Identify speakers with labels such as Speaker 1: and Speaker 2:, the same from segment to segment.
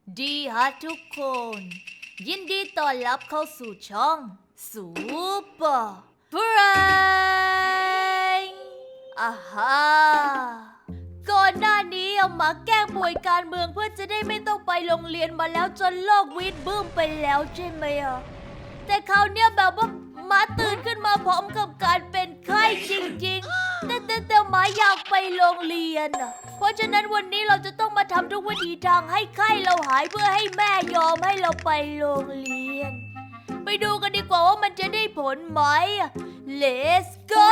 Speaker 1: ดีฮะทุกคน ยินดีต้อนรับเข้าสู่ช่องซูเปอร์เฟรนด์อ่าฮะก่อนหน้านี้เอามาแกล้งป่วยการเมืองเพื่อจะได้ไม่ต้องไปโรงเรียนมาแล้วจนโลกวิดบึ้มไปแล้วใช่ไหมอ่ะแต่คราวเนี้ยแบบว่ามาตื่นขึ้นมาพร้อมกับการเป็นไข้จริงๆแต่หมาอยากไปโรงเรียนอ่ะเพราะฉะนั้นวันนี้เราจะต้องมาทำทุกวิธีทางให้ไข้เราหายเพื่อให้แม่ยอมให้เราไปโรงเรียนไปดูกันดีกว่าว่ามันจะได้ผลไหม Let's go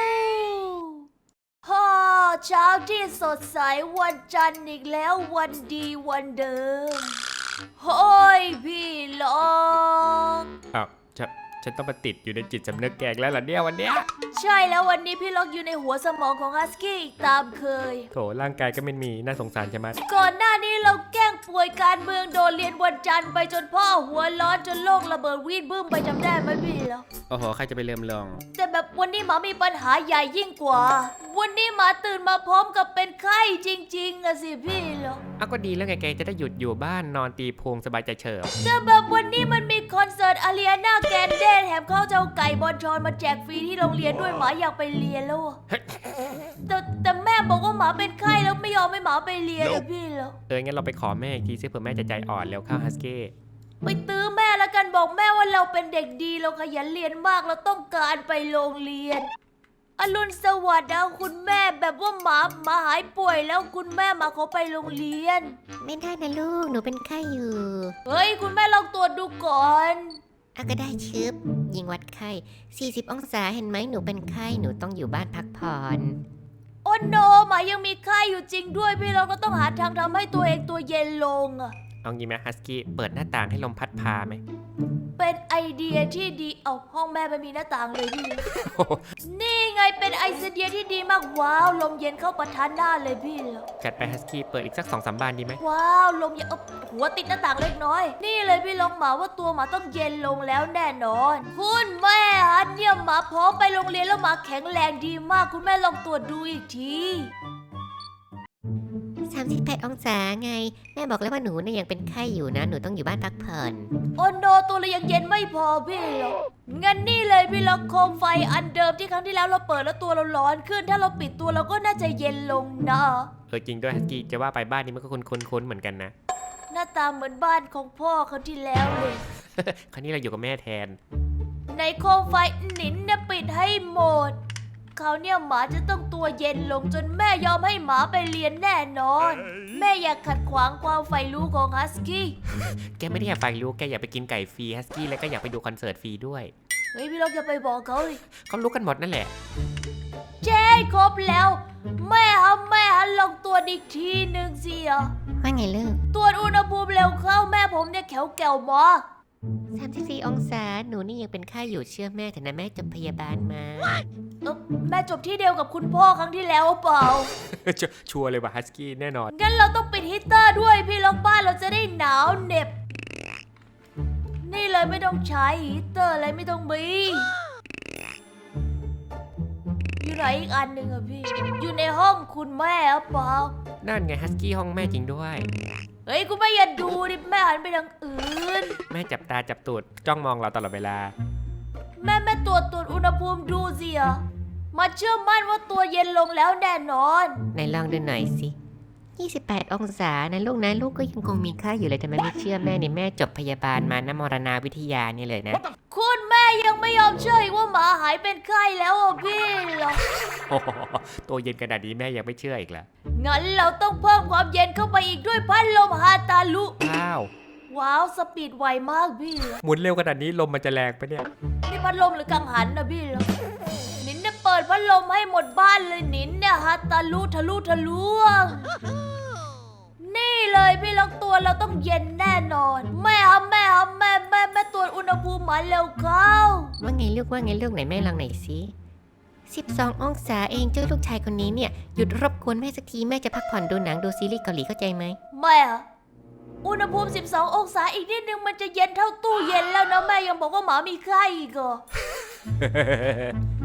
Speaker 1: ฮ่าเช้าที่สดใสวันจันทร์อีกแล้ววันดีวันเดิมโฮ้ยพี่ลอง
Speaker 2: อ้าวฉันต้องมาติดอยู่ในจิตสำนึกแกงแล้วเหรอเนี่ยวันเนี้ย
Speaker 1: ใช่แล้ววันนี้พี่ล็อกอยู่ในหัวสมองของฮัสกี้อีกตามเคย
Speaker 2: โถร่างกายก็ไม่มีน่าสงสารใช่ไหม
Speaker 1: ก่อนหน้านี้เราแกล้งป่วยการเมืองโดนเรียนวันจันทร์ไปจนพ่อหัวร้อนจนโลกระเบิดวีดบึ้มไปจำได้ไหมพี่ล็อก
Speaker 2: โอ้โหใครจะไปเริ่มลอง
Speaker 1: แต่แบบวันนี้หมามีปัญหาใหญ่ยิ่งกว่า วันนี้หมาตื่นมาพร้อมกับเป็นไข้จริงๆอะสิพี่ล็อก
Speaker 2: อ้าวก็ดีแล้วไงแกจะได้หยุดอยู่บ้านนอนตีโพงสบายใจเฉิบ
Speaker 1: แต่แบบวันนี้มันมีคอนเสิร์ตอารีนาแกนเดนแถมเขาจะเอาไก่บอลชอนมาแจกฟรีที่โรงเรียนด้วยหมาอยากไปเรียนแล้วอะแต่แม่บอกว่าหมาเป็นไข้แล้วไม่ยอมให้หมาไปเรียนอะพี่ล็อก
Speaker 2: งั้นเราไปขอแม่อีกทีซิเผื่อแม่จะใจอ่อนแล้วเข้าฮัสกี้
Speaker 1: ไปตื้อแม่แล้วกันบอกแม่ว่าเราเป็นเด็กดีเราขยันเรียนมากเราต้องการไปโรงเรียนอรุณสวัสดิ์นะคุณแม่แบบว่าหมาหายป่วยแล้วคุณแม่มาขอไปโรงเรียน
Speaker 3: ไม่ได้นะลูก หนูเป็นไข้อยู่
Speaker 1: เฮ้ยคุณแม่ลองตรวจดูก่อน
Speaker 3: ก็ได้ชึบยิงวัดไข้ 40 องศาเห็นไหมหนูเป็นไข้ หนูต้องอยู่บ้านพักผ่อน
Speaker 1: โอ้โนหมายังมีไข้อยู่จริงด้วยพี่เราก็ต้องหาทางทำให้ตัวเองตัวเย็นลงอะ
Speaker 2: เอางี้ไหมฮัสกี้เปิดหน้าต่างให้ลมพัดพาไหม
Speaker 1: เป็นไอเดียที่ดีเอาห้องแม่ไม่มีหน้าต่างเลยพี่ นี่ไงเป็นไอเดียที่ดีมากว้าวลมเย็นเข้าประทานหน้าเลยพี่เหรอ
Speaker 2: จัดไปฮัสกี้เปิดอีกสัก2-3 บานดีไหม
Speaker 1: ว้าวลมเย็นหัวติดหน้าต่างเล็กน้อย นี่เลยพี่ลองหมาว่าตัวหมาต้องเย็นลงแล้วแน่นอนคุณแม่ฮะเนี่ยหมาพร้อมไปโรงเรียนแล้วหมาแข็งแรงดีมากคุณแม่ลองตรวจดูอีกที
Speaker 3: 38 องศาไง แม่บอกแล้วว่าหนูเนี่ยยังเป็นไข้อยู่นะ หนูต้องอยู่บ้านพักผ่อน
Speaker 1: โอ้โนตัวเรายังเย็นไม่พอพี่หรอกงั้นนี่เลยพี่ล็อกโคมไฟอันเดิมที่ครั้งที่แล้วเราเปิดแล้วตัวเราร้อนขึ้น ถ้าเราปิดตัวเราก็น่าจะเย็นลงนะ
Speaker 2: จริงด้วยฮัสกี้จะว่าไปบ้านนี้มันก็คุ้นๆเหมือนกันนะ
Speaker 1: หน้าตาเหมือนบ้านของพ่อเขาที่แล้วเลย
Speaker 2: คราวนี้เราอยู่กับแม่แทน
Speaker 1: ในโคมไฟหนินเนี่ยปิดให้หมดเขาวเนี่ยหมาจะต้องตัวเย็นลงจนแม่ยอมให้หมาไปเรียนแน่นอน แม่อยากขัดขวางความใฝ่รู้ของฮัสกี้
Speaker 2: แกไม่ได้อยากไปรู้แกอยากไปกินไก่ฟรีฮัสกี้แล้วก็อยากไปดูคอนเสิร์ตฟรีด้วย
Speaker 1: เฮ้ยพี่ล็อกอย่าไปบอกเขาเลย
Speaker 2: เขารู้กันหมดนั่นแหละ
Speaker 1: เจ๊ครบแล้ว แม่ฮะลองตรวจอีกทีหนึ่งสิอ่ะ
Speaker 3: ว่าไงลูก
Speaker 1: ตรวจอุณหภูมิเร็วเข้าแม่ผมเนี่ยแข็วหมอ
Speaker 3: 34 องศา หนูนี่ยังเป็นไข้อยู่เชื่อแม่เถอะนะแม่จบพยาบาลมา
Speaker 1: แม่จบที่เดียวกับคุณพ่อครั้งที่แล้วเปล่า
Speaker 2: ชัวร์เลยว่าฮัสกี้แน่นอน
Speaker 1: งั้นเราต้องปิดฮีตเตอร์ด้วยพี่ล็อกบ้านเราจะได้หนาวเหน็บ นี่เลยไม่ต้องใช้ฮีตเตอร์อะไรไม่ต้องมีอยู่ไหนอีกอันหนึ่งอะพี่ อยู่ในห้องคุณแม่หรือเปล่า
Speaker 2: นั่นไงฮัสกี้ห้องแม่จริงด้วย
Speaker 1: เฮ้ยคุณแม่อย่าดูดิแม่หันไปทางอื่น
Speaker 2: แม่จับตาจับตูดจ้องมองเราตลอดเวลา
Speaker 1: แม่ตรวจอุณหภูมิดูสิอะมาเชื่อมั่นว่าตัวเย็นลงแล้วแน่นอน
Speaker 3: ไหนลองดูหน่อยสิ 28 องศานะลูกนะลูกก็ยังคงมีไข้อยู่เลยทำไมไม่เชื่อแม่เนี่ยแม่จบพยาบาลมานะมรณาวิทยานี่เลยนะ
Speaker 1: คุณแม่ยังไม่ยอมเชื่ออีกว่าหมาหายเป็นไข้แล้วอ่ะพี่เหรอ
Speaker 2: โอ้โหตัวเย็นขนาดนี้แม่ยังไม่เชื่ออีกเหรอ
Speaker 1: งั้นเราต้องเพิ่มความเย็นเข้าไปอีกด้วยพัดลมฮาตาลุ
Speaker 2: ว้าว
Speaker 1: ว้าวสปีดไวมากพี่เหรอ
Speaker 2: หมุนเร็วขนาดนี้ลมมันจะแรงปะเนี่ย
Speaker 1: นี่พัดลมหรือกังหันนะพี่เหรอนินเนี่ยเปิดพัดลมให้หมดบ้านเลยนินเนี่ยฮาตาลุทะลุทะลวง นี่เลยพี่ล็อกตัวเราต้องเย็นแน่นอน แม่ตรวจอุณหภูมิหมาเร็วเข้า
Speaker 3: ว่าไงลูกไหนแม่ลองหน่อยสิ 12 องศาเองเจ้าลูกชายคนนี้เนี่ยหยุดรบกวนแม่สักทีแม่จะพักผ่อนดูหนังดูซีรีส์เกาหลีเข้าใจไหม
Speaker 1: แม่อะอุณหภูมิ 12 องศาอีกนิดนึงมันจะเย็นเท่าตู้เย็นแล้วนะแม่ยังบอกว่าหมามีไข้อีกเหรอ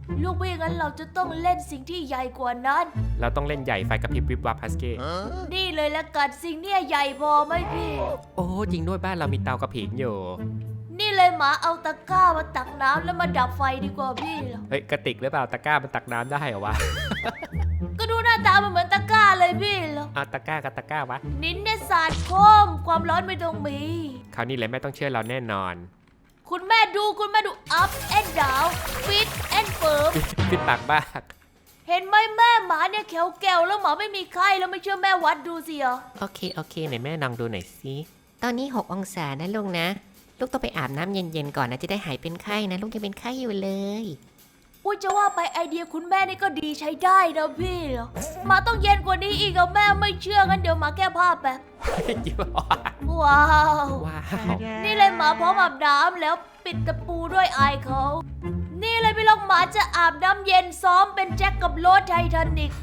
Speaker 1: ลูกไม่งั้นเราจะต้องเล่นสิ่งที่ใหญ่กว่านั้น
Speaker 2: เราต้องเล่นใหญ่ไฟกระพริบวิบวับฮัสกี้
Speaker 1: นี่เลยละกันสิ่งเนี่ยใหญ่พอไหมพี่
Speaker 2: โอ้จริงด้วยบ้านเรามีเตากระผิงอยู่
Speaker 1: นี่เลยหมาเอาตะกร้ามาตักน้ำแล้วมาดับไฟดีกว่าพี่เหรอ
Speaker 2: เฮ้ยกระติกหรือเปล่าตะกร้ามันตักน้ำได้เหรอวะ
Speaker 1: ก็ดูหน้าตามันเหมือนตะกร้าเลยพี่เหรอ
Speaker 2: เอาตะกร้ากับตะกร้าวะ
Speaker 1: นิ้นเนี่ยสาดโคมความร้อนไม่ต้องมี
Speaker 2: คราวนี้แหละแม่ต้องเชื่อเราแน่นอน
Speaker 1: คุณแม่ดู up and down fit and firm
Speaker 2: ฟิตปากบ้าก
Speaker 1: เห็นไหมแม่หมาเนี่ยแขวแก้วแล้วหมาไม่มีไข้แล้วไม่เชื่อแม่วัดดูสิเหรอ
Speaker 3: โอเคไหนแม่ลองดูหน่อยสิ ตอนนี้ 6 องศานะลูกนะ ลูกต้องไปอาบน้ำเย็นๆก่อนนะจะได้หายเป็นไข้นะ ลูกยังเป็นไข้อยู่เลย
Speaker 1: อุ้ยจะว่าไปไอเดียคุณแม่นี่ก็ดีใช้ได้นะพี่เหรอหมาต้องเย็นกว่านี้อีกอะแม่ไม่เชื่องั้นเดี๋ยวหมาแก้ผ้าแบบ
Speaker 2: จิ๊บ
Speaker 1: ว้าว
Speaker 2: ว้าว
Speaker 1: นี่เลยหมาพร้อมอาบน้ำแล้วปิดตะปูด้วยอายเขา นี่เลยพี่ลองหมาจะอาบน้ำเย็นซ้อมเป็นแจ็คกับโรสไททานิก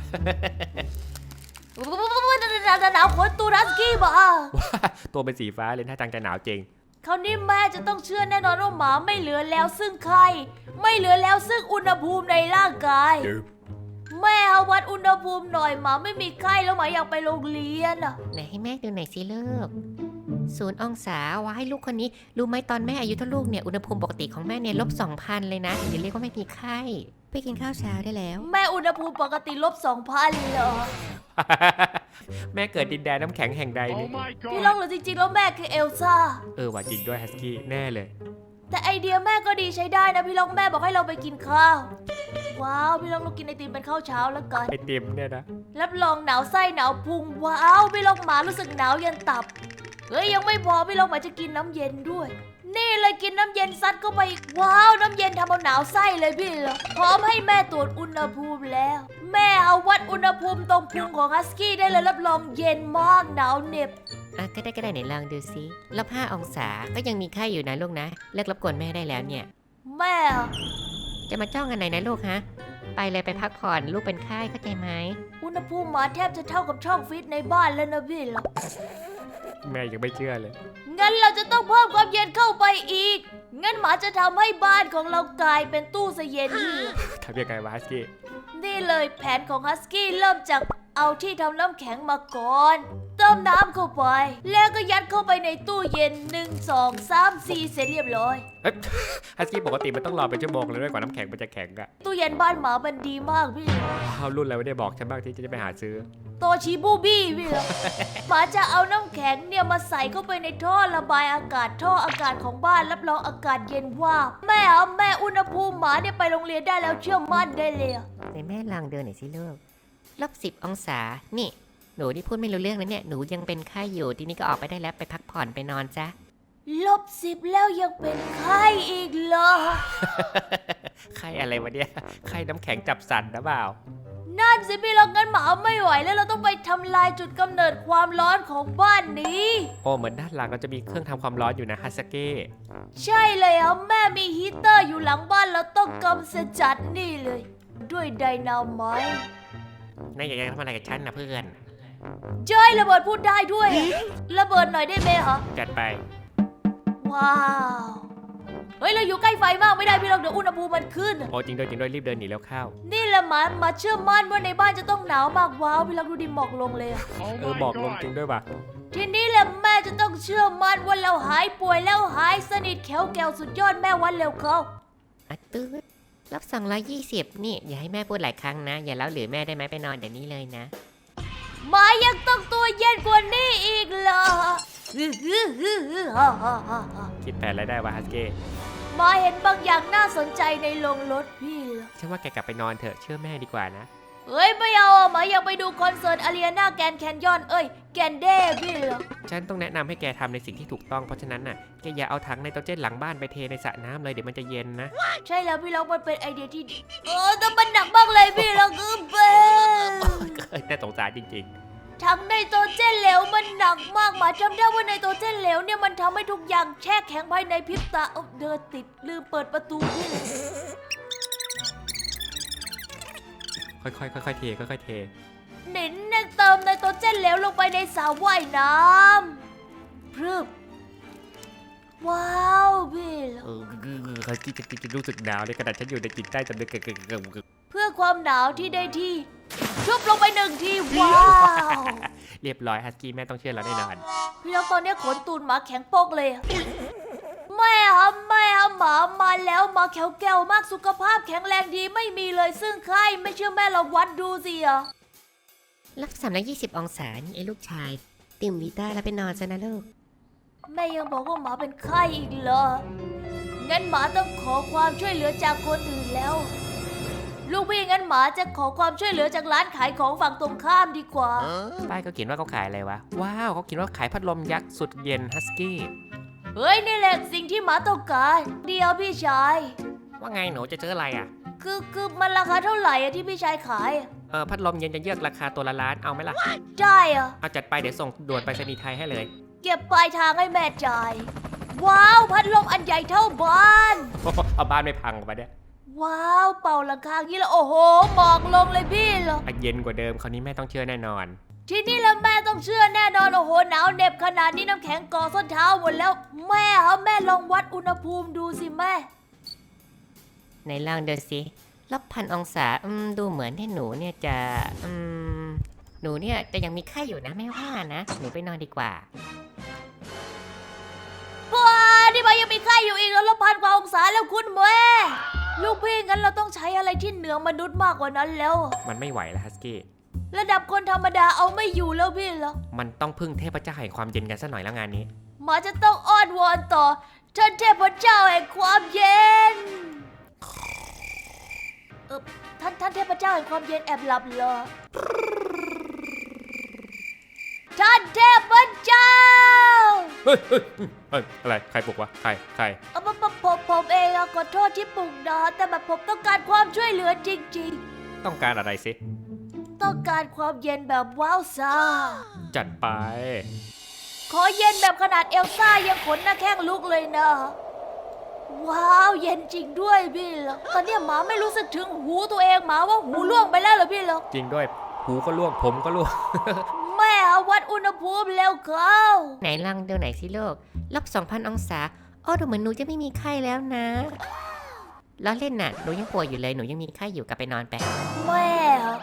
Speaker 1: หนาวขนตูรัสกี้บ้า
Speaker 2: ตัวเป็นสีฟ้าเลยถ้าจังจะหนาวจริง
Speaker 1: คราวนี้แม่จะต้องเชื่อแน่นอนว่าหมาไม่เหลือแล้วซึ่งไข้ไม่เหลือแล้วซึ่งอุณหภูมิในร่างกาย แม่เอาวัดอุณหภูมิหน่อยหมาไม่มีไข้แล้วหมาอยากไปโรงเรียนอ่ะ
Speaker 3: ไหนให้แม่ดูหน่อยสิลูก0 องศาว่าให้ลูกคนนี้รู้ไหมตอนแม่อายุเท่าลูกเนี่ยอุณหภูมิปกติของแม่เนี่ย-2,000เลยนะถึงจะเรียกว่าไม่มีไข้ไปกินข้าวเช้าได้แล้ว
Speaker 1: แม่อุณหภูมิปกติ-2,000เหรอ
Speaker 2: แม่เกิดดินแดนน้ำแข็งแห่งใดนี่
Speaker 1: พี่ลองหรือจริงๆแล้วแม่คือเอลซ่า
Speaker 2: ว่าจริงด้วยฮัสกี้แน่เลย
Speaker 1: แต่ไอเดียแม่ก็ดีใช้ได้นะพี่ลองแม่บอกให้เราไปกินข้าว ว้าวพี่ลองเรากินไอติมเป็นข้าวเช้าแล้วกัน
Speaker 2: ไอติมเนี่ยนะ
Speaker 1: รับรองหนาวไส้หนาวพุงว้าวพี่ลองหมารู้สึกหนาวยันตับเฮ้ยยังไม่พอพี่ลองหมาจะกินน้ำเย็นด้วย นี่เลยกินน้ำเย็นซัดเข้าไปอีกว้าวน้ำเย็นทำเอาหนาวไส้เลยพี่เหรอพร้อมให้แม่ตรวจอุณหภูมิแล้ว แม่เอาวัดอุณหภูมิตรงพุงของฮัสกี้ได้เลยรับรองเย็นมากหนาวเหน็บ
Speaker 3: ก็ได้ไหนลองดูสิ-5 องศาก็ยังมีไข้อยู่นะลูกนะเลิกรบกวนแม่ได้แล้วเนี่ย
Speaker 1: แม่อะ
Speaker 3: จะมาจ้องอันไหนนะลูกฮะไปเลยไปพักผ่อนลูกเป็นไข้เข้าใจไหม
Speaker 1: อุณหภูมิหมาแทบจะเท่ากับช่องฟิตในบ้านแล้วนะพี่เหรอ
Speaker 2: แม่ยังไม่เชื่อเลย
Speaker 1: งั้นเราจะต้องเพิ่มความเย็นเข้าไปอีก งั้นหมาจะทำให้บ้านของเรากลายเป็นตู้เสเย็นนี่
Speaker 2: ทำยังไงวะฮัสกี้
Speaker 1: นี่เลยแผนของฮัสกี้เริ่มจากเอาที่ทำน้ำแข็งมาก่อน เติมน้ำเข้าไป แล้วก็ยัดเข้าไปในตู้เย็น 1 2 3 4 เสร็จเรียบร้อย
Speaker 2: เอ้ยฮัสกี้ปกติมันต้องรอเป็นชั่วโมงเลยด้วยกว่าน้ำแข็งมันจะแข็งอะ
Speaker 1: ตู้เย็นบ้านหมามันดีมากพี่
Speaker 2: ว้าวรุ่นอะไรไม่ได้บอกฉันบ้างที่จะไปหาซื้อ
Speaker 1: โตชิบูบี้พี่เหรอ หมาจะเอาน้ำแข็งเนี่ยมาใส่เข้าไปในท่อระบายอากาศท่ออากาศของบ้านรับรองอากาศเย็นว่าบแม่อุณหภูมิหมาเนี่ยไปโรงเรียนได้แล้วเชื่อมั่นได้เลยอะ
Speaker 3: ไหนแม่ลองเดินหน่อยสิลูก-10 องศานี่หนูที่พูดไม่รู้เรื่องแล้วเนี่ยหนูยังเป็นไข้อยู่ทีนี้ก็ออกไปได้แล้วไปพักผ่อนไปนอนซะ
Speaker 1: -10แล้วยังเป็นไข้อีกเหรอ
Speaker 2: ไข้อะไรวะเนี่ยไข้น้ำแข็งจับสั่นนะเปล่า
Speaker 1: นั่นสิพี่เรางั้นหมาไม่ไหวแล้วเราต้องไปทำลายจุดกำเนิดความร้อนของบ้านนี้
Speaker 2: โอ้เหมือนด้านหลังเราจะมีเครื่องทำความร้อนอยู่นะฮัสกี้
Speaker 1: ใช่เลยครับแม่มีฮีตเตอร์อยู่หลังบ้านเราต้องกำจัดนี่เลย ด้วยไดนาไมต์
Speaker 2: นายอยากจะทำอะไรกับฉันนะเพื่อน
Speaker 1: เจ้ยระเบิดพูดได้ด้วยอะระเบิดหน่อยได้ไหมคะ
Speaker 2: จัดไป
Speaker 1: ว้าวเฮ้ยเราอยู่ใกล้ไฟมากไม่ได้พี่เราเดี๋ยวอุณหภูมิมันขึ้นอะ
Speaker 2: โอ้จริงด้วยรีบเดินหนีแล้วเข้า
Speaker 1: นี่แหละหมาเชื่อมั่นว่าในบ้านจะต้องหนาวมากว้าวพี่เราดูดิหมอกลงเลยอะ
Speaker 2: บอกลงจริงด้วยป่ะ
Speaker 1: ทีนี้แหละแม่จะต้องเชื่อมั่นว่าเราหายป่วยแล้วหายสนิทแข็งแกวสุดยอดแม่วันเร็วเขา
Speaker 3: ตื้อ-220นี่อย่าให้แม่พูดหลายครั้งนะ อย่าเล่าหรือแม่ได้ไหมไปนอนเดี๋ยวนี้เลยนะ
Speaker 1: หมายังต้องตัวเย็นกว่านี้อีกเหรอ
Speaker 2: คิดแผนอะไรได้วะฮัสกี้
Speaker 1: หมาเห็นบางอย่างน่าสนใจในโรงรถพี่เหรอ
Speaker 2: ฉันว่าแกกลับไปนอนเถอะเชื่อแม่ดีกว่านะ
Speaker 1: เฮ้ยไม่เอาอะหมาอยากไปดูคอนเสิร์ตอารีนาแกรนด์แคนยอนแกรนเด้พี่เหรอ
Speaker 2: ฉันต้องแนะนำให้แกทำในสิ่งที่ถูกต้องเพราะฉะนั้นน่ะแกอย่าเอาถังไนโตรเจนหลังบ้านไปเทในสระน้ำเลยเดี๋ยวมันจะเย็นนะ
Speaker 1: ใช่แล้วพี่ล็อกมันเป็นไอเดียที่ดีแต่มันหนักมากเลยพี่ล็อกคือเบ
Speaker 2: น่าสงสารจริง
Speaker 1: ทั้งไนโตรเจนเหลวมันหนักมากหมาจำได้ว่าไนโตรเจนเหลวเนี่ยมันทำให้ทุกอย่างแช่แข็งภายในพริบตาเดินติดลืมเปิดประตูพี่
Speaker 2: ๆค่อยๆเทค่อยๆเท
Speaker 1: หนินเนี่ยเติมไนโตรเจนเหลวลงไปในสระว่ายน้ำพรึบว้าวพี่ล็อก
Speaker 2: ฮัสกี้จะรู้สึกหนาวในขณะฉันอยู่ในจิตใต้สำนึก
Speaker 1: เพื่อความหนาวที่ได้ที่ชุบลงไปหนึ่งทีว้าว
Speaker 2: เรียบร้อยฮัสกี้แม่ต้องเชื่อเราแน่นอน
Speaker 1: พี่แล้วตอนนี้ขนตูนหมาแข็งโป๊กเลยอะแม่ครับหมามาแล้วหมาแข็งแก้วมากสุขภาพแข็งแรงดีไม่มีเลยซึ่งไข้ไม่เชื่อแม่ลองวัดดูสิอะ
Speaker 3: ลบ320 องศานี่ไอ้ลูกชายตื่มวิต้าแล้วไปนอนซะนะลูก
Speaker 1: แม่ยังบอกว่าหมาเป็นไข้อีกเหรองั้นหมาต้องขอความช่วยเหลือจากคนอื่นแล้ว ลูกพี่งั้นหมาจะขอความช่วยเหลือจากร้านขายของฝั่งตรงข้ามดีกว่า
Speaker 2: ป้ายเขาเขียนว่าเขาขายอะไรวะ ว้าวเขาเขียนว่าขายพัดลมยักษ์สุดเย็นฮัสกี้
Speaker 1: เฮ้ยนี่แหละสิ่งที่หมาต้องการเดียวพี่ชาย
Speaker 2: ว่าไงหนูจะซื้ออะไรอ่ะ
Speaker 1: คือมันราคาเท่าไหร่อะที่พี่ชายขายอะ
Speaker 2: พัดลมเย็นจะเยือกราคาตัวละล้านเอาไหมล่ะ
Speaker 1: ได้อะ
Speaker 2: เอาจัดไปเดี๋ยวส่งด่วนไปรษณีย์ไทยให้เลย
Speaker 1: เก็บปลายทางให้แม่จ่าย ว้าวพัดลมอันใหญ่เท่าบ้าน
Speaker 2: เอาบ้านไม่พังมาเนี่ย
Speaker 1: ว้าวเป่าหลังคาอย่างนี้แล้วโอ้โหหมอกลงเลยพี่เหรอ
Speaker 2: เย็นกว่าเดิมคราวนี้แม่ต้องเชื่อแน่นอน
Speaker 1: ทีนี้แล้วแม่ต้องเชื่อแน่นอนโอ้โหหนาวเหน็บขนาดนี้น้ำแข็งก่อส้นเท้าหมดแล้ว แม่ครับแม่ลองวัดอุณหภูมิดูสิแม่
Speaker 3: ในลองดูสิลบ1,000 องศาดูเหมือนที่หนูเนี่ยจะหนูเนี่ยจะยังมีไข้อยู่นะแม่ว่านะหนูไปนอนดีกว่า
Speaker 1: ว้านี่มันยังมีไข้อยู่อีกแล้วลบ1,000 กว่าองศาแล้วคุณแม่ลูกพี่งั้นเราต้องใช้อะไรที่เหนือมนุษย์มากกว่านั้นแล้ว
Speaker 2: มันไม่ไหวแล้วฮัสกี้
Speaker 1: ระดับคนธรรมดาเอาไม่อยู่แล้วพี่เหรอ
Speaker 2: มันต้องพึ่งเทพเจ้าแห่งความเย็นกันซะหน่อยแล้วงานนี้
Speaker 1: หมาจะต้องอ้อนวอนต่อท่านเทพเจ้าแห่งความเย็นท่านเทพเจ้าแห่งความเย็นแอบหลับเหรอท่านเทพเจ้า
Speaker 2: เฮ้ยอะไรใครปลุกวะใคร
Speaker 1: ผมเองอะขอโทษที่ปลุกนะแต่แบบผมต้องการความช่วยเหลือจริง
Speaker 2: ต้องการอะไรสิ
Speaker 1: ๆ ต้องการความเย็นแบบว้าวซ่า
Speaker 2: จัดไป
Speaker 1: ขอเย็นแบบขนาดเอลซ่ายังขนหน้าแข้งลุกเลยนะ ว้าวเย็นจริงด้วยพี่เหรอตอนเนี้ยหมาไม่รู้สึกถึงหูตัวเองหมาว่าหูล่วงไปแล้วเหรอพี่เหรอ
Speaker 2: จริงด้วยหูก็ล่วงผมก็ล่วง
Speaker 1: แม่วัดอุณหภูมิแล้วเข้า
Speaker 3: ไหนลองดูไหนอยสิลูกลบ2,000 องศาโอ้ดูเหมือนหนูจะไม่มีไข้แล้วนะล้อเล่นน่ะหนูยังป่วยอยู่เลยหนูยังมีไข้อยู่กลับไปนอนไป
Speaker 1: แม่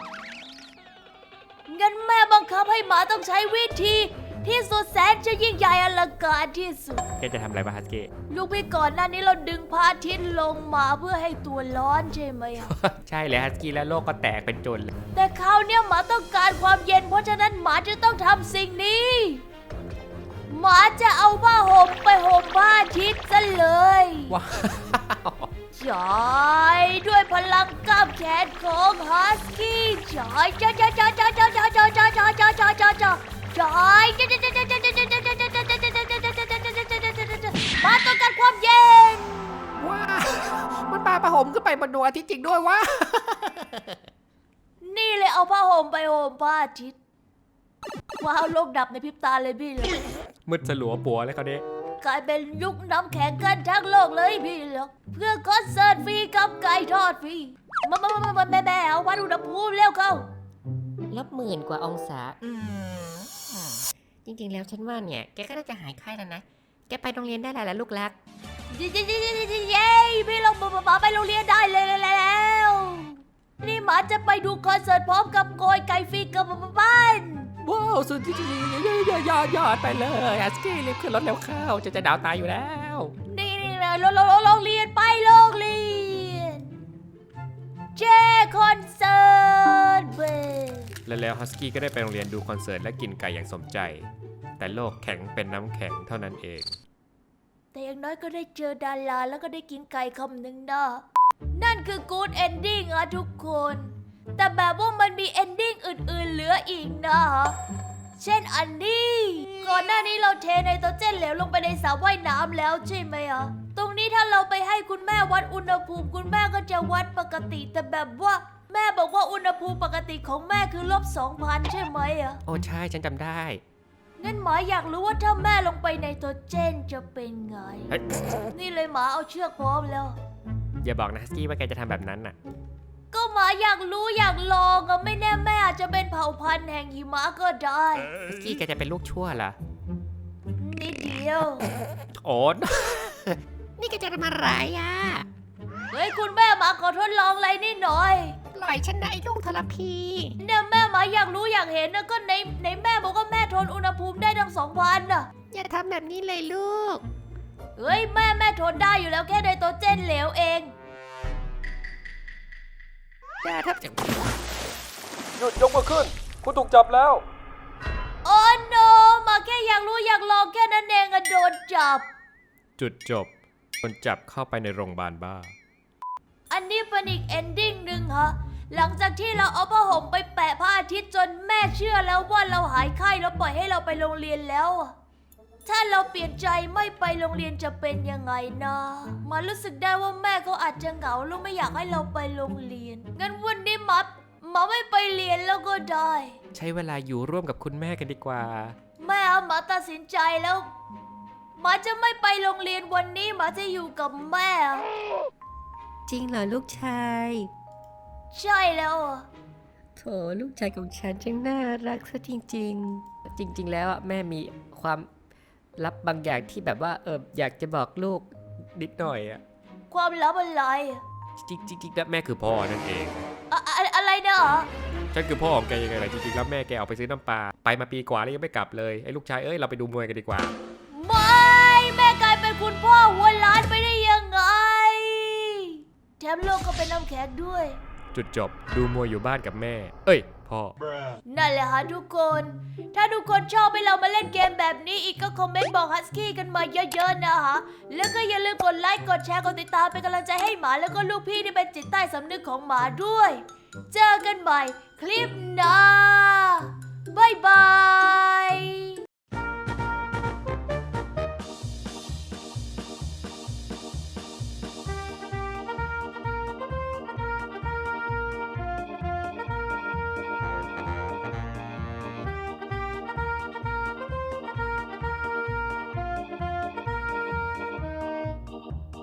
Speaker 1: งั้นแม่บังคับให้หมาต้องใช้วิธีที่สุดแสนจะยิ่งใหญ่อลังการที่สุด
Speaker 2: แกจะทำอะไรบ้างฮัสกี้
Speaker 1: ลูกพี่ก่อนหน้านี้เราดึงพระอาทิตย์ลงมาเพื่อให้ตัวร้อนใช่ไหมอะ
Speaker 2: ใช่เลยฮัสกี้แล้วโลกก็แตกเป็นจนเลย
Speaker 1: แต่คราวเนี้ยหมาต้องการความเย็นเพราะฉะนั้นหมาจะต้องทำสิ่งนี้ หมาจะเอาผ้าห่มไปห่มพระอาทิตย์ซะเลย
Speaker 2: ว้าว
Speaker 1: ใช่ด้วยพลังกล้ามแขนของฮัสกี้ใช่จ้าจ้าจ้าจ้าจ้าจ้าจ้าจ้าจ้าจ้าจ้าจ้าจ้าใช่มาต้องการความเย็น
Speaker 2: ว้าวมันปาประหมขึ้นไปบนดวงอาทิตย์จริงด้วยวะ
Speaker 1: นี่เลยเอาผ้าห่มไปห่มพระอาทิตย์ว้าวโลกดับในพริบตาเลยพี่เลย
Speaker 2: มืดสลัวปัวเลยเขาเนี่ย
Speaker 1: กลายเป็นยุคน้ำแข็งกันทั้งโลกเลยพี่เหรอเพื่อคอนเสิร์ตฟรีกับไก่ทอดฟรีมาแม่เอาวัดอุณหภูมิเร็วเข้า
Speaker 3: ลบ10,000 กว่าองศาจริงๆแล้วฉันว่าเนี่ยแกก็น่าจะหายไข้แล้วนะแกไปโรงเรียนได้แล้วลูกรัก
Speaker 1: เย้พี่เราหมาไปโรงเรียนได้เลยแล้ว นี่หมาจะไปดูคอนเสิร์ตพร้อมกับโกยไก่ฟรีกับบ้าน
Speaker 2: ว้าวสุดที่ยอดไปเลยฮัสกี้รีบขึ้นรถเร็วเข้าจะดาวตายอยู่แล้ว
Speaker 1: นี่โรงเรียนไปโรงเรียนเจคอนเสิร์ตเบ
Speaker 2: แล้วฮัสกี้ก็ได้ไปโรงเรียนดูคอนเสิร์ตและกินไก่อย่างสมใจ แต่โลกแข็งเป็นน้ำแข็งเท่านั้นเอง
Speaker 1: แต่อย่างน้อยก็ได้เจอดาราแล้วก็ได้กินไก่คำหนึ่งนะนั่นคือกู๊ดเอนดิ้งอะทุกคน แต่แบบว่ามันมีเอนดิ้งอื่นๆเหลืออีกนะ เช่นอันนี้ก่อนหน้านี้เราเทไนโตรเจนเหลวลงไปในสระว่ายน้ำแล้วใช่ไหมอะตรงนี้ถ้าเราไปให้คุณแม่วัดอุณหภูมิคุณแม่ก็จะวัดปกติ แต่แบบว่าแม่บอกว่าอุณหภูมิปกติของแม่คือลบ2,000ใช่ไหมอะ
Speaker 2: โอ้ใช่ฉันจำได้
Speaker 1: งั้นหมาอยากรู้ว่าถ้าแม่ลงไปในไนโตรเจนจะเป็นไง
Speaker 2: เฮ้ย
Speaker 1: นี่เลยหมาเอาเชือกพร้อมแล้ว
Speaker 2: อย่าบอกนะฮัสกี้ว่าแกจะทำแบบนั้นน่ะ
Speaker 1: ก็หมาอยากรู้อยากลองอะไม่แน่แม่อาจจะเป็นเผ่าพันธุ์แห่งหิมะก็ได้
Speaker 2: ฮัสกี้แกจะเป็นลูกชั่วเหรอ
Speaker 1: นิดเดียว
Speaker 2: โอ้
Speaker 3: นี่นี่แกจะทำอะไรอ่ะ
Speaker 1: เฮ้ยคุณแม่หมาขอทดลองอะไรนิดหน่อย
Speaker 3: ปล่อยฉันได้ลูกทรพี
Speaker 1: เนี่ยแม่หมาอยากรู้อยากเห็นนะก็ในแม่บอกว่าแม่ทนอุณหภูมิได้ทั้ง2,000น่ะ
Speaker 3: อย่าทำแบบนี้เลยลูก
Speaker 1: เฮ้ยแม่ทนได้อยู่แล้วแค่ไนโตรเจนเหลวเอง
Speaker 3: อย่าทำจาก
Speaker 4: หยุดยกมือขึ้น คุณถูกจับแล้ว
Speaker 1: โอ้โนมาแค่อยากรู้อยากลองแค่นั้นเองอะโดนจับ
Speaker 2: จุดจบโดนจับเข้าไปในโรงพยาบาลบ้า
Speaker 1: อันนี้เป็นอีกเอนดิ้งหนึ่งฮะ หลังจากที่เราเอาผ้าห่มไปแปะพระอาทิตย์จนแม่เชื่อแล้วว่าเราหายไข้แล้วปล่อยให้เราไปโรงเรียนแล้วอะถ้าเราเปลี่ยนใจไม่ไปโรงเรียนจะเป็นยังไงนะมารู้สึกได้ว่าแม่เขาอาจจะเหงาแล้วไม่อยากให้เราไปโรงเรียน งั้นวันนี้มาไม่ไปเรียนแล้วก็ได้
Speaker 2: ใช้เวลาอยู่ร่วมกับคุณแม่กันดีกว่า
Speaker 1: แม่หมาตัดสินใจแล้วหมาจะไม่ไปโรงเรียนวันนี้หมาจะอยู่กับแม่
Speaker 3: จริงเหรอลูกชาย
Speaker 1: ใช่แล้วอะ
Speaker 3: โถลูกชายของฉันช่างน่ารักซะจริงๆ จริง ๆ แล้วอะแม่มีความลับบางอย่างที่แบบว่าอยากจะบอกลูก
Speaker 2: นิดหน่อยอะ
Speaker 1: ความลับอะไรอะ
Speaker 2: จริงๆแล้วแม่คือพ่อนั่นเอง
Speaker 1: อะไรนะเหรอ
Speaker 2: ฉันคือพ่อของแกยังไงล่ะจริงๆแล้วแม่แกออกไปซื้อน้ำปลาไปมาปีกว่าแล้วยังไม่กลับเลยไอ้ลูกชายเอ้ยเราไปดูมวยกันดีกว่า
Speaker 1: ไม่แม่กลายเป็นคุณพ่อหัวล้านไปได้ยังไงแถมโลกก็เป็นน้ำแข็งด้วย
Speaker 2: จุดจบดูมวยอยู่บ้านกับแม่ เอ้ยพ่อ
Speaker 1: นั่นแหละฮะทุกคน ถ้าทุกคนชอบให้เรามาเล่นเกมแบบนี้อีกก็คอมเมนต์บอกฮัสกี้กันมาเยอะๆนะฮะ แล้วก็อย่าลืมกดไลค์ กดแชร์ กดติดตามเป็นกำลังใจให้หมาแล้วก็ลูกพี่ที่เป็นจิตใต้สำนึกของหมาด้วย เจอกันใหม่คลิปหน้า บ๊ายบาย